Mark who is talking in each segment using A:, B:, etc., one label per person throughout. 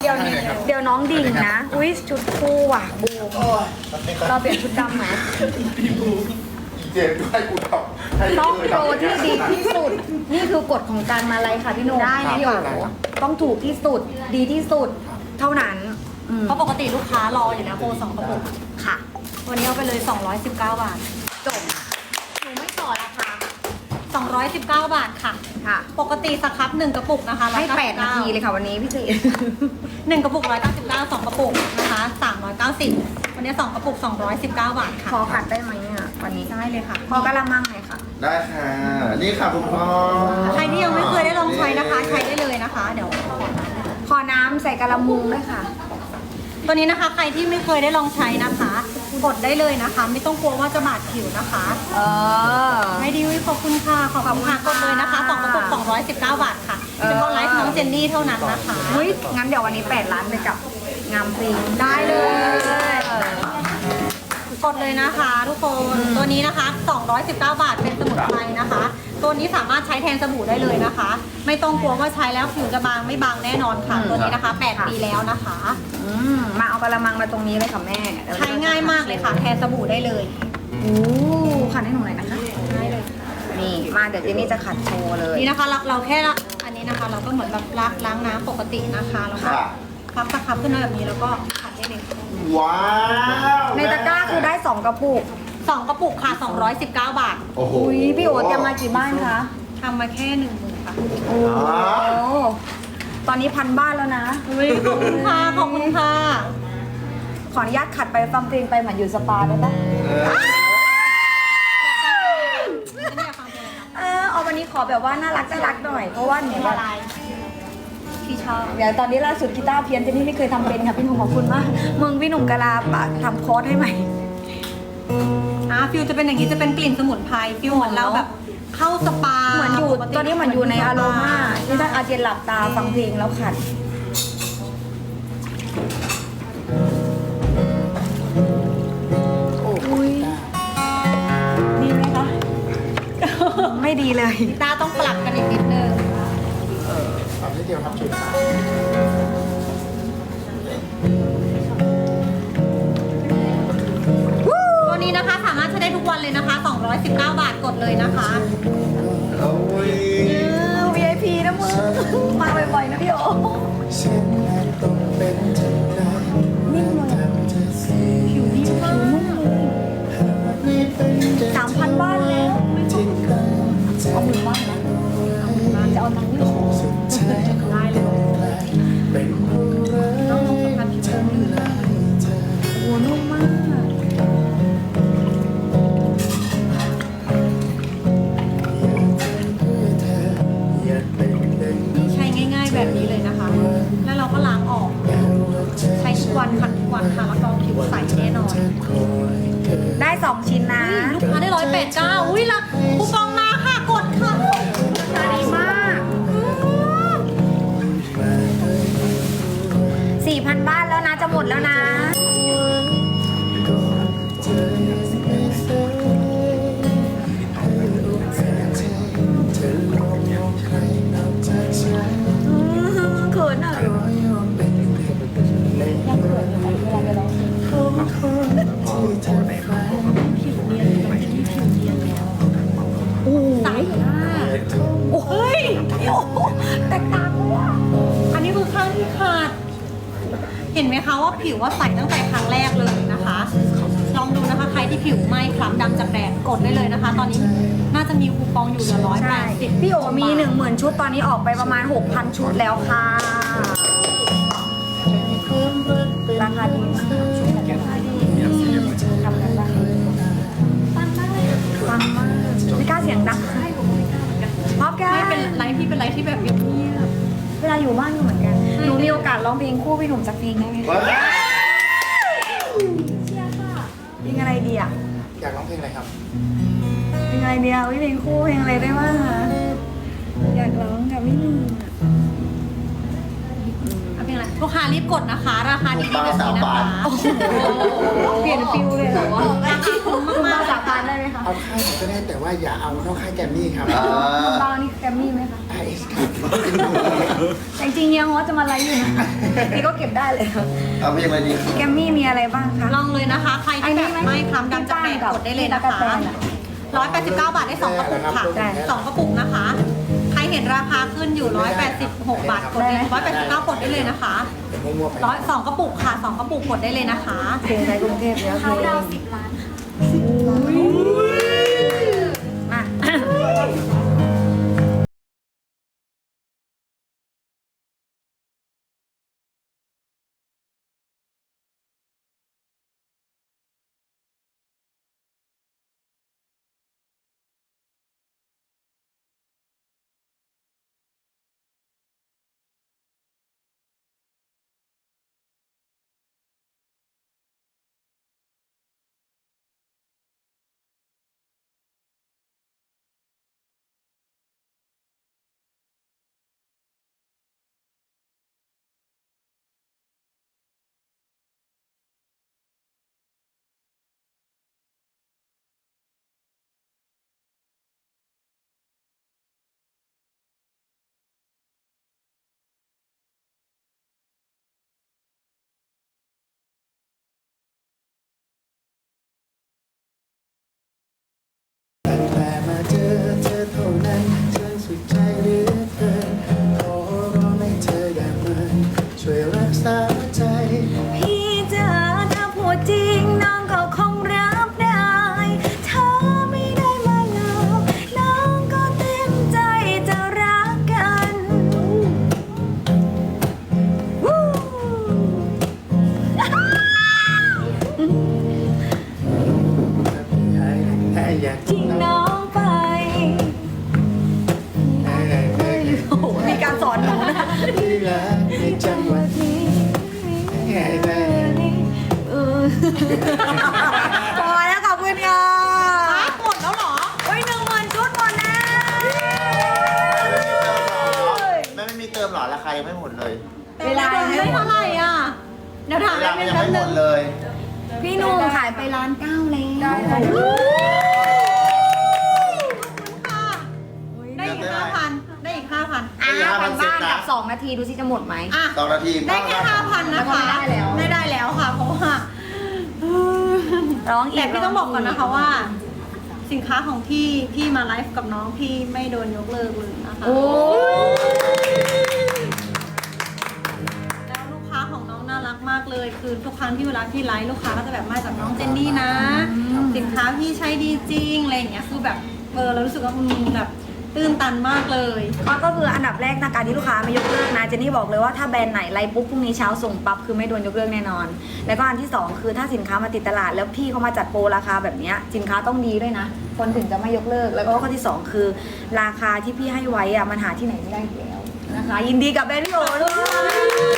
A: เดี๋ยวน้องดิ่งนะอุ้ยชุดคู่ว่ะบูมเราเปลี่ยนชุดดำไหม
B: เจนด้วยกูทำ
A: ต้องโปรที่ดีที่สุด นี่คือกฎของการมาไลฟ์ค่ะพี่หนุ่ม
C: ได้
A: พี่โอต้องถูกที่สุดดีที่สุดเท่านั้นอืม
C: เพราะปกติลูกค้ารออยู่นะโปร2 กระปุก
A: ค่ะ
C: วันนี้เอาไปเลย219 บาท
A: จบหนูไม่ต่อราคา
C: 219 บาทค่ะ
A: ค่ะ
C: ปกติสครับ1 กระปุกนะคะ
A: ให้8 นาทีเลยค่ะวันนี้พี่เจ
C: 1 กระปุก199 2 กระปุกนะคะ390วันนี้2 กระปุก219 บาทค่ะ
A: ขอขัดได้ไหมอ่ะวันนี้
C: ได้เลยค่ะ
A: ขอกระมังหน่อยค่ะ
B: ได้ค่ะ นี่ค่ะคุณพ่อ
C: ใครที่ยังไม่เคยได้ลองใช้นะคะ ใช้ได้เลยนะคะ เดี๋ยว
A: ขอน้ำใส่กระมุงด้วยค่ะ
C: ตัวนี้นะคะใครที่ไม่เคยได้ลองใช้นะคะกดได้เลยนะคะ ไม่ต้องกลัวว่าจะบาดผิวนะคะ ให้ดีวิขอบคุณค่ะขอบคุณค่ะกดเลยนะคะ2 กระปุก219 บาทค่ะเฉพาะไลฟ์น้องเจนนี่เท่านั้นนะคะ
A: เฮ้ยงั้นเดี๋ยววันนี้8 ล้านไปกับงามพรี
C: ได้เลยกดเลยนะคะทุกคนตัวนี้นะคะ219 บาทเป็นสมุนไพรนะคะ ตัวนี้สามารถใช้แทนสบู่ได้เลยนะคะ ไม่ต้องกลัวว่าใช้แล้วผิวจะบางไม่บางแน่นอนค่ะ ตัวนี้นะคะ8 ปีแล้วนะคะ
A: มาเอากระมังมาตรงนี้เลยค่ะแม่
C: ใช้ง่ายมากเลยค่ะ แทนสบู่ได้เลย
A: โอ้ขัดให้หนูหน่อยนะคะ
C: ได้เลย
A: นี่มาเดี๋ยวเจนนี่จะขัดโชว์เลย
C: นี่นะคะเราแค่อันนี้นะคะ เราก็เหมือนแบบล้างน้ำปกตินะคะแล้วก็
B: ค่ะ
C: พับตะครับขึ้นมาแบบนี้แล้วก็ขัดได้เลย
B: ว้าว
A: ในตะกร้าคือได้2 กระปุก
C: 2 กระปุกค่ะ219 บาท
B: โอ้โห
A: อุ้ยพี่โอ๊ตจะมากี่บ้านคะ
C: ทำมาแค่10,000ค่ะ
A: โอ้ตอนนี้1,000 บ้านแล้วนะ
C: อุ้ยขอบคุณค่ะขอบคุณค่ะ
A: ขออนุญาตขัดไปฟังเพลงไปเหมือนอยู่สปาได้ปะ เอาวันนี้ขอแบบว่าน่ารักหน่อย เพราะว่าหนู
C: เป็น
A: แบ
C: อะ
A: บ
C: ไรที่ชอบ
A: เดี๋ยวตอนนี้ล่าสุดกีตาร์เพี้ยนเจนนี่ไม่เคยทำเป็นค่ะพี่หนุ่มขอบคุณมากมึงพี่หนุ่มกะลาปะทำคอร์สให้ใหม่
C: ฟิลจะเป็นอย่างนี้จะเป็นกลิ่นสมุนไพรฟิลเหมือนเราแบบเข้าสปา
A: เหมือนอยู่ตอนนี้เหมือนอยู่ในอารมาที่ท่านอาเจนหลับตาฟังเพลงแล้วขัดอุ้ยดีไหมคะ ไม่ดีเลย
C: ตาต้องปรับกันอีกนิดนึง
B: ทำให้เดียวทำชุดค่ะ
C: ตัวนี้นะคะสามารถใช้ได้ทุกวันเลยนะคะ219 บาทกดเลยนะคะ
B: โอ้ย
A: VIP นะมึงมาบ่อยๆนะพี่โอนิ่มเลยผิวนิ่มมาก3,000 บ้านแล้วเอาหมื่นบ้านนะจะเอาตังค์ที่ขอได้เลยต้องลงสัมผัสผิวโอ้นุ่มมาก
C: นี่ใช้ง่ายๆแบบนี้เลยนะคะ แล้วเราก็ล้างออก ใช้ทุกวันขัดทุกวันค่ะรับรองผิวใสแน่นอน
A: ได้ 2 ชิ้นนะ
C: ลูกค้าได้189อุ้ยละคูปองมาค่ะกดค่ะ
A: ราคาดีมาก 4,000 บ้านแล้วนะ จะหมดแล้วนะ เขินอ่ะยังเขินอยู่ไหมเวลาไปร้องเพลงโอ้ใสมากโอ้ยแตกต่างเลยอ่ะ
C: อันนี้คือข้างที่ขาด เห็นไหมคะว่าผิวว่าใสตั้งแต่ครั้งแรกเลยนะคะ ลองดูนะคะใครที่ผิวไหม้คล้ำดำจากแดดกดได้เลยนะคะ ตอนนี้น่าจะมีคูปองอยู่เหลือ
A: ใช่
C: 180
A: พี่โอมี 10,000 ชุดตอนนี้ออกไปประมาณ 6,000 ชุดแล้วค่ะ ราคาดีมากราคาดีทำกันบ้างฟังมากไม่กล้าเสียงดังพร้อมกัน
C: ไม่เป็นไรพี่เป็นไรที่แบบเงียบ
A: เวลาอยู่บ้านก็เหมือนกัน หนูมีโอกาสร้องเพลงคู่พี่หนุ่มสักเพลงได้ไหม
B: ว้าว
A: เพลงอะไรดีอ่ะ
B: อยากร้องเพลงอะไรครับ
A: เพลงอะไรดีอ่ะเพลงคู่เพลงอะไรได้บ้างคะอยากร้องกับพี่หนุ่ม
C: ๆเอาเป็นไรลูกค้ารีบกดนะคะ ราคาดีๆแบบนี้นะคะ
A: เปลี่ยนฟิวเลยเหรอวะ
C: ราคาคุ้ม
A: คุณ
C: มา
A: มาก สาพานได้ไหมคะ
D: เอาค่ายไหนก็ได้แต่ว่าอย่าเอานอกค่ายแกรมมี่ครับ
A: คุณบ้านี่แกรมมี่ไหมคะ
D: RS ครับ
A: แต่จริงๆเฮียฮอตจะมาไลฟ์อยู่นะพี่ก็เก็บได้เลยค่ะ
B: เอาเพลงอะไรดี
A: แกรมมี่มีอะไรบ้างคะ
C: ลองเลยนะคะ ใครที่แบบไม่คล้ำดำจะแปะกดได้เลยนะคะ189 บาทได้2กระปุกค่ะ2กระปุกนะคะ ใครเห็นราคาขึ้นอยู่186 บาทกดได้189กดได้เลยนะคะ
D: มั่วๆไป
C: 2กระปุกค่ะ2กระปุกกดได้เลยนะคะ
A: เพลงในกรุงเทพเยอะเพลงมา
D: แต่มาเจอเธอเท่านั้นฉันสุดใจเหลือเกินขอร้องให้เธออย่าเมินช่วยรักษาใจ
A: พี่จ๋าถ้าพูดจริงน้องก็คงรับได้ถ้าไม่ได้มาหลอกน้องก็เต็มใจจะรักกันวู้
D: อยาก
A: ทิ้งน้องไปโอ้โหมีการสอนหนูนะ
D: ที่รักในจังหวะนี้ได้
A: พอแล้วขอบคุณค่ะ
C: หมดแล้วเหรอ
A: โอ้ย10,000 ชุดหมดแล้ว
B: ไม่มีเติมหรอราคายังไม่หมดเลย
A: เวลา
C: ได้เท่าไหร่อ่ะ เดี๋ยวถาม
B: เว
C: แป๊
B: ลา
C: บนึ
B: ยัง
C: ง
B: ไม่หมดเลย
A: พี่หนุ่มขายไป1,900,000แล้ว
C: ได้อีก 5,000 ได้อีก 5,000
A: 5,000 บ้านกับ2 นาทีดูสิจะหมดไหม
C: อ่ะ
B: 2 นาที
C: ได้แค่ 5,000 นะคะ ไม่ได้แล้วค่ะ เพราะว่า
A: ร้องอีก
C: แต่พี่ต้องบอกก่อนนะคะว่า สินค้าของพี่มาไลฟ์กับน้องพี่ไม่โดนยกเลิกเลยนะคะ
A: โอ้
C: แล้วลูกค้าของน้องน่ารักมากเลย คือทุกครั้งที่เวลาพี่ไลฟ์ลูกค้าก็จะแบบมาจากน้องเจนนี่นะ สินค้าพี่ใช้ดีจริงอะไรอย่างเงี้ย คือแบบเรารู้สึกว่าแบบตื้นตันมากเลย
A: ก็คืออันดับแรกนะการที่ลูกค้าไม่ยกเลิกนะเจนนี่บอกเลยว่าถ้าแบรนด์ไหนไลฟ์ปุ๊บพรุ่งนี้เช้าส่งปั๊บคือไม่โดนยกเลิกแน่นอน แล้วก็อันที่2คือถ้าสินค้ามาติดตลาดแล้วพี่เขามาจัดโปรราคาแบบเนี้ยสินค้าต้องดีด้วยนะ คนถึงจะไม่ยกเลิก แล้วก็ข้อที่2คือราคาที่พี่ให้ไว้อะมันหาที่ไหนไม่ได้อีกแล้วนะคะ ยินดีกับแบรนด์พี่โอด้วย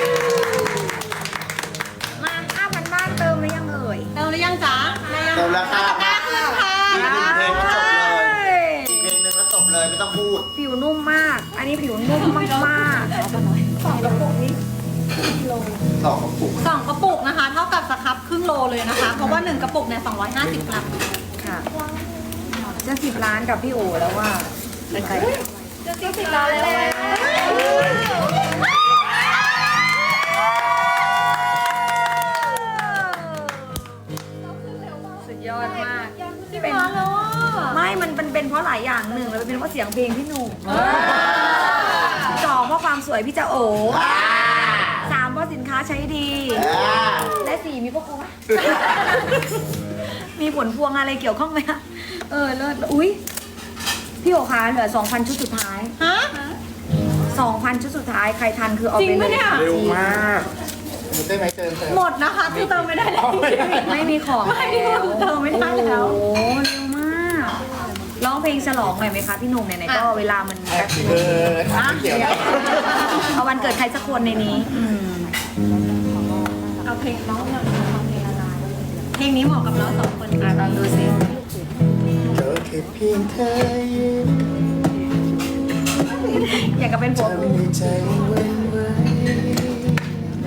A: มา 5,000 บ้านเติมหรือยังเอ่ย
C: เติมหรือยังจ๊ะ
B: เติมราคา
C: ตะกร้าขึ้นค่ะ
B: อีก1 เพลงก็จบเลยอีกเพลงหนึ่งก็จบเลยไม่ต้องพูด
A: ผิวนุ่มมาก อันนี้ผิวนุ่มมากๆเอาไปหน่อย2 กระปุกนี้
B: 2 กระปุก
C: 2 กระปุกนะคะ เท่ากับสครับครึ่งโลเลยนะคะ เพราะว่า 1 กระปุกเนี่ย250 กรัม
A: ค่ะจะ10 ล้านกับพี่โอแล้วว่าเป็นใคร
C: จะ10 ล้านแล้ว
A: สุดยอดมาก
C: 10 ล้านแล้วอ่ะ
A: ไม่มันเป็นเพราะหลายอย่างหนึ่งแล้วเป็นเพราะเสียงเพลงพี่หนุ่ม2เพราะความสวยพี่จะโอ3เพราะสินค้าใช้ดี และ4มีพวกกูไหม มีผลพวงอะไรเกี่ยวข้องไหมคะเลิศอุ้ยพี่โอคะเหลือ 2,000 ชุดสุดท้าย
C: ฮะ
A: 2,000 ชุดสุดท้ายใครทันคือเอา
C: จริ
A: ไป
C: ง
A: เล
C: ปะ
A: ย
C: เนี่ย
D: เร็วมากได้ไหมเติม
C: หมดนะคะคือเติมไม่ได้แล้ว
A: ไม่มีของ
C: ไม่มีของเติมไม่ได้แล้ว
A: โอ้โหเร็วมากร้องเพลงฉลองหน่อยไหมคะพี่หนุ่มไหนๆก็เวลามันแป๊บนึง
D: ถามเกี่ยว
A: เอาวันเกิดใครสักคนในนี้
C: เอาเพลงน้องเนี่ยเพลงนี้เหมาะกับเรา2 คนค่ะ
A: ลองดูสิ
D: ก็แค่เพียงเธอยิ้ม
A: อยากจะเป็นผัว
D: ทำ
A: กู
D: ให้ใจหวันไหว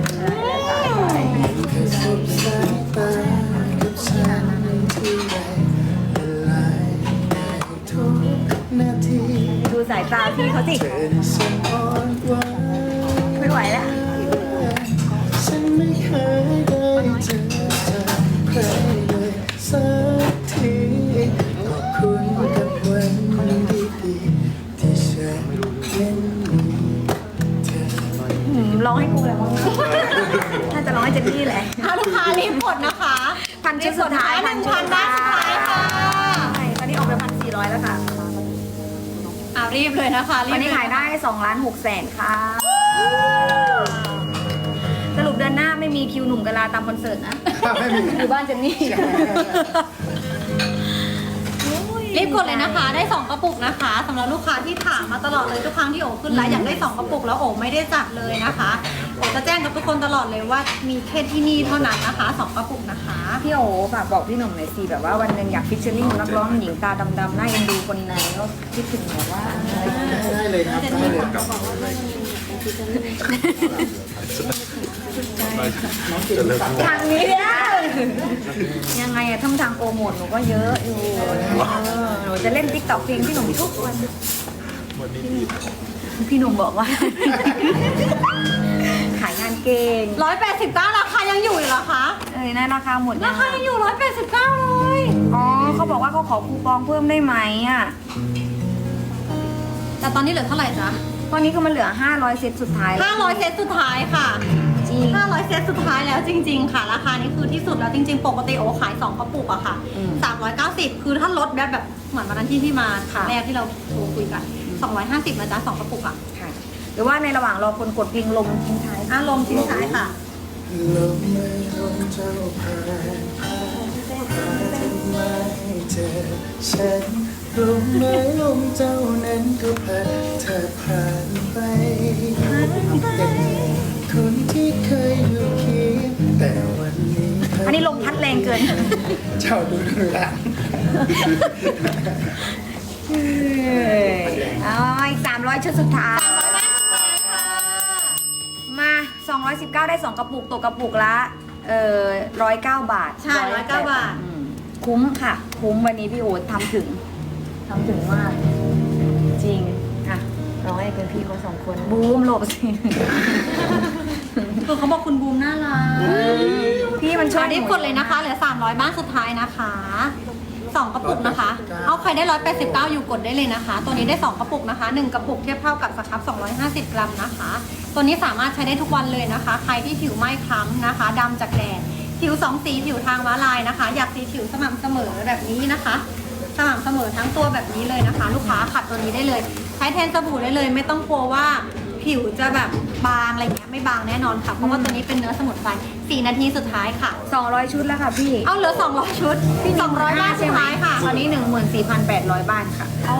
E: ตาพี่เขาสิ
D: เธอน่ะฉันอ่อนหวาน
E: ไม่ไหวแล้ว
D: ฉันไม่เคยได้เจอจากใครเลยสักทีขอบคุณกับวันดีๆที่ฉันเป็นมีเธอ
E: ร้องให้กูเลยมั้งน่าจะร้องให้เจนนี่แหละ
C: เอาลูกค้ารีบกดนะคะ
E: พันชุดสุดท้าย
C: 1,000 ได้สุดท้ายค่ะ
E: ใช่ตอนนี้ออกไป1,400แล้วค่ะ
C: รีบเลยนะคะรีบ
E: วันนี้ขายได้2,600,000ค่ะ สรุปเดือนหน้าไม่มีคิวหนุ่มกะลาตามคอนเสิร์ตนะ
D: ไม่มี
E: อยู่บ้านเจนนี่
C: รีบกดเลยนะคะ ได้ 2 กระปุกนะคะสำหรับลูกค้าที่ถามมาตลอดเลยทุกครั้งที่โอขึ้นไลฟ์อยากได้ 2 กระปุกแล้วโอไม่ได้จัดเลยนะคะโอจะแจ้งกับทุกคนตลอดเลยว่ามีแค่ที่นี่เท่านั้นนะคะ 2 กระปุกนะคะ
E: พี่โอฝากบอกพี่หนุ่มหน่อยสิแบบว่าวันหนึ่งอยากฟิชเชอร์ลิงนักร้องหญิงตาดำๆหน้าเอ็นดูคนไหนก็คิดถึงแบบว่า
D: ได้เลยครับได้เลยน้องกินฝาก
E: ทางนี้เนี่ยยังไงอะทั้งทางโปรโมทหนูก็เยอะอยู่หนูจะเล่นติ๊กต็อกเพลงพี่หนุ่มทุกวันพี่หนุ่มบอกว่า ขายงานเก่ง
C: 189ราคายังอยู่อีกเหรอคะ
E: นะราคาหมด
C: ราคายังอยู่189เลย
E: อ๋อเขาบอกว่าเขาขอคูปองเพิ่มได้ไหมอ่ะ
C: แต่ตอนนี้เหลือเท่าไหร่จ๊ะ
E: ตอนนี้คือมันเหลือ500เซตสุดท้ายแล้ว
C: 500เซตสุดท้ายค่ะ
E: จริง
C: 500เซตสุดท้ายแล้วจริง ๆ ค่ะ ราคานี้คือที่สุดแล้วจริง ๆ ปกติโอขาย 2 กระปุกอะค่ะ 390 คือถ้าลดแบบเหมือนวันนั้นที่พี่มาครั้งแรกที่เราโทรคุยกัน 250นะจ๊ะ2 กระปุกอะ
E: ค่ะ หรือว่าในระหว่างรอคนกดเพลงลมทิ้งท้าย
C: ลมทิ้งท้ายค่ะ
D: ลมไม่ลมเจ้าผ่านผ่านทำไมเจอฉันลมไม่ลมเจ้านั้นก็พัดเธอผ่านไปเป็นคนที่เคยอยู่เคียงแต่วันนี้
E: อันนี้ลมพัดแรงเกิน
D: เจ้าดูดูหลัง
E: อ๋ออีก300ชุดสุดท้าย มา 219 ได้ 2 กระปุกตกกระปุกละ109 บาท
C: ใช่109 บาท
E: อืมคุ้มค่ะ คุ้มวันนี้พี่โอ๊ตทำถึงมาก จริงอ่ะร้องให้เป็นพี่เขา2 คนบูมหลบสิ
C: คือเขาบอกคุณบูมน่ารัก
E: พี่มันช่วย
C: รีบกดเลยนะคะ เหลือ 300 บ้านสุดท้ายนะคะ 2 กระปุกนะคะ เอาใครได้ 189 อยู่กดได้เลยนะคะ ตัวนี้ได้ 2 กระปุกนะคะ 1 กระปุกเทียบเท่ากับสครับ250 กรัมนะคะ ตัวนี้สามารถใช้ได้ทุกวันเลยนะคะ ใครที่ผิวไม่คล้ำนะคะดำจากแดดผิว2 สีผิวทางม้าลายนะคะ อยากสีผิวสม่ำเสมอแบบนี้นะคะ สม่ำเสมอทั้งตัวแบบนี้เลยนะคะ ลูกค้าขัดตัวนี้ได้เลย ใช้แทนสบู่ได้เลย ไม่ต้องกลัวว่าผิวจะแบบบางอะไรเงี้ยไม่บางแน่นอนค่ะ เพราะว่าตัวนี้เป็นเนื้อสมุนไพร4 นาทีสุดท้ายค่ะ
E: 200 ชุดแล้วค่ะพี่
C: เอาเหลือ 200 ชุดพี่200 บ้านสุดท้ายค่ะ
E: ตอนนี้ 14,800 บ้านค่ะ
C: โอ้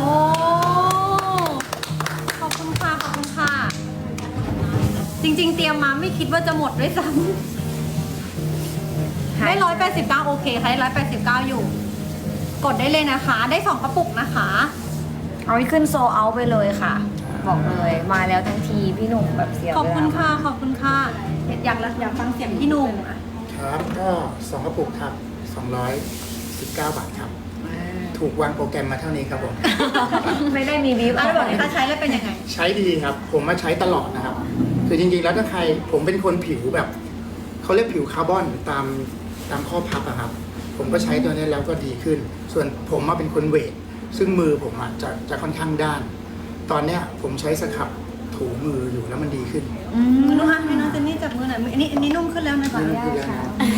C: ขอบคุณค่ะ ขอบคุณค่ะ จริงๆ เตรียมมาไม่คิดว่าจะหมดด้วยซ้ำได้189โอเคค่ะได้189อยู่ กดได้เลยนะคะ ได้ 2 กระปุกนะคะ
E: เอาให้ขึ้นโซเอาไปเลยค่ะ บอกเลยมาแล้วทั้งทีพี่หนุ่มแบบเสีย
C: ขอบคุณ
E: เวลา
C: ค่ะ ขอบคุณค่ะ อยากฟังเสียงพี่หนุ่มอ่ะ
D: ครับก็2 กระปุกครับ219 บาทครับ ถูกวางโปรแกรมมาเท่านี้ครับผม
E: ไม่ได้มีบีฟ
C: แล้วบอกเลยถ้าใช้แล้วเป็นยังไง
D: ใช้ดีครับ ผมมาใช้ตลอดนะครับ คือจริงๆแล้วถ้าใครผมเป็นคนผิวแบบเขาเรียกผิวคาร์บอนตามข้อพับอะครับ ผมก็ใช้ตัวนี้แล้วก็ดีขึ้น ส่วนผมมาเป็นคนเวท ซึ่งมือผมอะจะค่อนข้างด้าน ตอนเนี้ยผมใช้สครับถูมืออยู่แล้วมันดีขึ้น
C: น้องฮันให้น้องเจนนี่จับมือหน่อยอันนี้นุ่มขึ้นแล้วนะคะ
D: ดีขึ้นแล้วนะ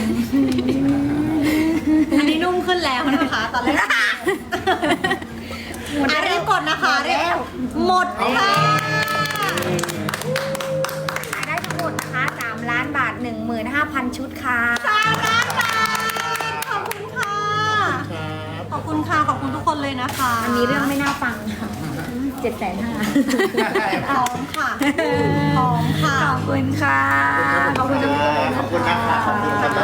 C: อันนี้นุ่มขึ้นแล้วนะคะ ตอนแรกรีบกดนะคะรีบหมดค่ะ
E: ขายได้ทั้งหมดนะคะ3 ล้านบาท 15,000 ชุดค่ะ
C: 3 ล้านบาทขอบคุณค่ะ ขอบคุณค่ะ ขอบคุณทุกคนเลยนะคะ
E: อันนี้เรื่องไม่น่าฟังค่ะ750,000
C: พร้อมค่ะพร้อมค่ะ
E: ขอบคุณค่ะ
D: ขอบคุณนะครับขอบคุณนะครับ